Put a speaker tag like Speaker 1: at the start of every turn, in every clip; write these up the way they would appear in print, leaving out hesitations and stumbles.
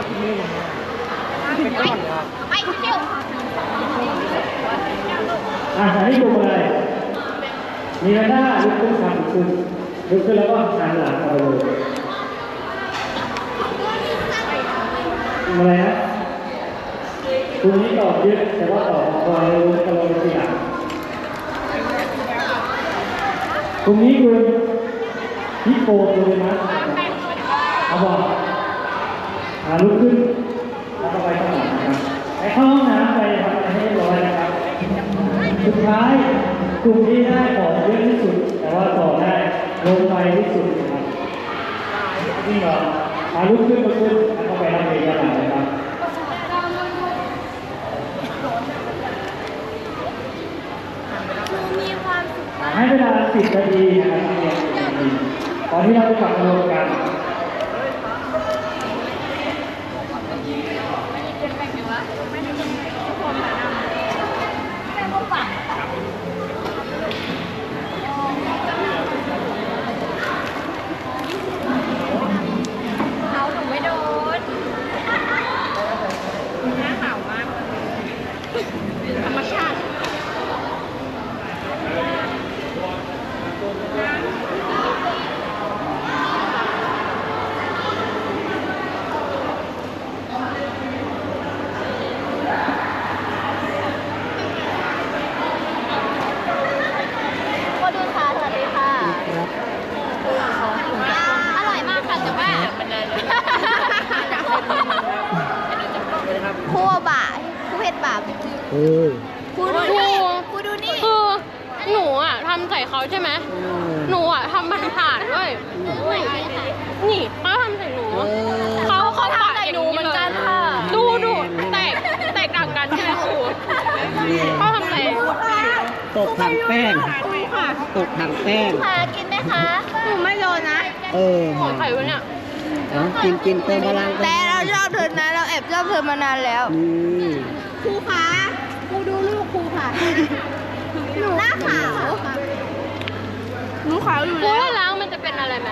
Speaker 1: คุณแม่ผมเป็นก้อนเลยครับ
Speaker 2: ไปเที่ยว
Speaker 3: อันนี้ดูอะไรมีหน้าลุกขึ้นขันคุณลุกขึ้นแล้วก็หันหลังเอาเลยอะไรนะคุณนี้ตอบเยอะแต่ว่าตอบคอยรู้กำลังเป็นอย่างตรงนี้คุณฮิปโปเลยนะเอาบอกลุกขึ้นแล้วก็ไปข้างหลังนะครับไปเข้าห้องน้ำไปทำอะไรให้ร้อยนะครับสุดท้ายกลุ่มที่ได้ต่อเยอะที่สุดแต่ว่าต่อได้ลงไปที่สุดนะครับนี่เหรอลุกขึ้นแล้วก็ไปทำเองกันนะครับ
Speaker 2: มีความสุข
Speaker 3: ให้เวลา10 นาทีนะครับตอนที่เราไปกลับมารวมกัน
Speaker 2: เขาหนูไม่โดนหน้าขาวมากธรรมชาติอร่อยมากค่ะแต่ว่าคั่วบ่าคั่วเผ็ดบ่าพูดูนี่พูดูนี่
Speaker 4: คือหนูอ่ะทำใส่เขาใช่ไหมหนูอ่ะทำมันผ่านด้วยนี่เขาทำใส่หนูเขาทำใส่หนูเหมือนกันค่ะดูแตกต่างกันใช่ไหมครูเขาทำอะไร
Speaker 1: ตกถังแป้งตกถังแป้ง
Speaker 2: ค่ะกินไหมคะหนูไม่โดนนะ
Speaker 4: ของใครวะเนี่ย
Speaker 1: กินเติมพลัง
Speaker 2: แต่เราชอบเธอนะเราแอบชอบเธอมานานแล้วครูคะครูดูลูกครูค่ะหนูหน้าขาวหนูขาวอยู่แล้ว
Speaker 4: ล้างมันจะเป็นอะไรไหม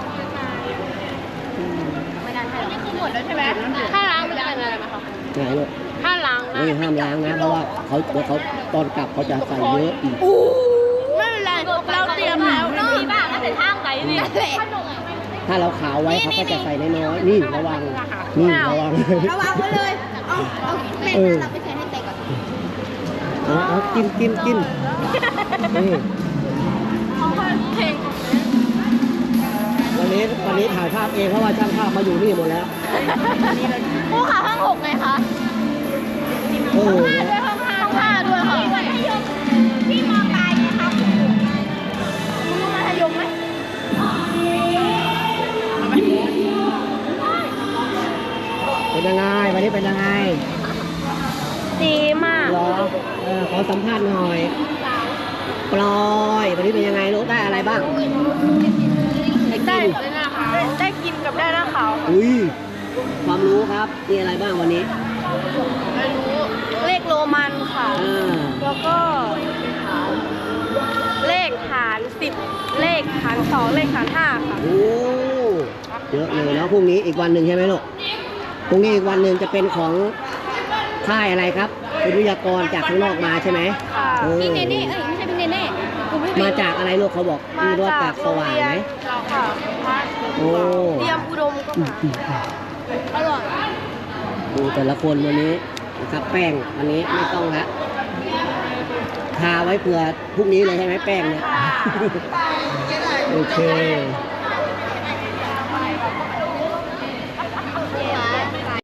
Speaker 2: ไม่ได้ให้นี่คือหมดแล้วใช่ไหม
Speaker 4: ถ้าล้างมันจะเป็นอะไรไหมคะ
Speaker 1: ไหนลูก
Speaker 4: ถ้าล้างนะ
Speaker 1: ห้ามล้างนะเพราะว่าเขาตอนกลับเขาจะใส่เยอะอีก
Speaker 2: ไม่เป็นไรเราเตรียมแล้วเนาะบ้างก็ใส่ท่างไก่เนี่ย
Speaker 1: ถ้าเราขาวไว้เขาก็จะใส่น้อยๆนี่ระวังระวัง
Speaker 2: ไว้เลยเอาแม่เราไปใส่ให้เตะก่อน
Speaker 1: เอากินนี่วันนี้ถ่ายภาพเองเพราะว่าช่างภาพมาอยู่นี่หมดแล้ว
Speaker 2: ผู้ขาห้อง6ไงคะห้อง5ด้วยค่ะพี่มองตายไงครับรู้มัธยมไหม
Speaker 1: เป็นยังไงวันนี้เป็นยังไง
Speaker 2: ดีมาก
Speaker 1: เหรอขอสัมภาษณ์หน่อยปลอยวันนี้เป็นยังไงลูกได้อะไรบ้าง
Speaker 2: ได้กินกับได้หน้าขาว
Speaker 1: ความรู้ครับมีอะไรบ้างวันนี้
Speaker 2: เลขโรมันค่ะแล้วก็เลขหาร10เลขหาร2เลขหาร5ค่ะ
Speaker 1: โอ้เยอะเลยแล้วพรุ่งนี้อีกวันหนึ่งใช่ไหมลูกพรุ่งนี้อีกวันหนึ่งจะเป็นของค่ายอะไรครับเป็นวิทยากรจากข้างนอกมาใช่ไหม
Speaker 2: พี่เนเน่ไม่ใช่พี่เนเน่
Speaker 1: มาจากอะไรลูกเขาบอกมีรถปากสว่างไหมโอ้
Speaker 2: เตรียมอุดมก็มาอร่อย
Speaker 1: ดูแต่ละคนวันนี้นะครับแป้งวันนี้ไม่ต้องละทาไว้เผื่อพรุ่งนี้เลยใช่ไหมแป้งเนี่ยโอเค